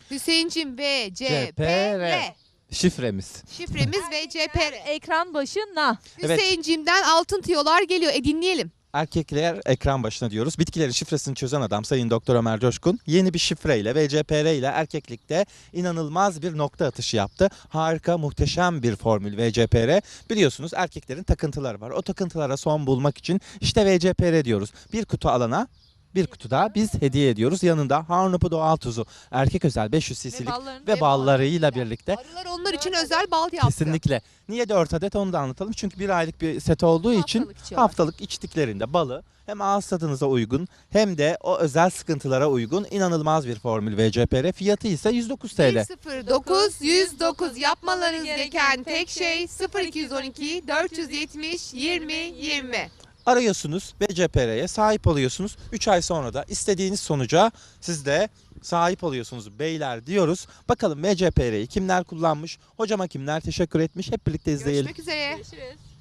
Hüseyincim VCPR. CPR. Şifremiz. Şifremiz VCPR. Ekran başına. Evet. Hüseyincimden altın tiyolar geliyor. Dinleyelim. Erkekler ekran başına diyoruz. Bitkilerin şifresini çözen adam Sayın Doktor Ömer Coşkun yeni bir şifreyle VCPR ile erkeklikte inanılmaz bir nokta atışı yaptı. Harika, muhteşem bir formül VCPR. Biliyorsunuz erkeklerin takıntıları var. O takıntılara son bulmak için işte VCPR diyoruz. Bir kutu alana bir kutu da biz hediye ediyoruz. Yanında Harnupu doğal tuzu, erkek özel 500 cc'lik ve ballarıyla birlikte. Arılar onlar için özel bal yaptı. Kesinlikle. Niye 4 adet onu da anlatalım. Çünkü bir aylık bir set olduğu için Haftalık içiyorlar. haftalık içtiklerinde balı hem ağız tadınıza uygun hem de o özel sıkıntılara uygun inanılmaz bir formül VCPR. Fiyatı ise 109 TL. 109 109 yapmalarınız gereken tek şey 0212 470 20 20. Arıyorsunuz VCPR'ye sahip oluyorsunuz. 3 ay sonra da istediğiniz sonuca siz de sahip oluyorsunuz beyler diyoruz. Bakalım VCPR'yi kimler kullanmış, hocama kimler teşekkür etmiş hep birlikte izleyelim. Görüşmek üzere. Görüşürüz.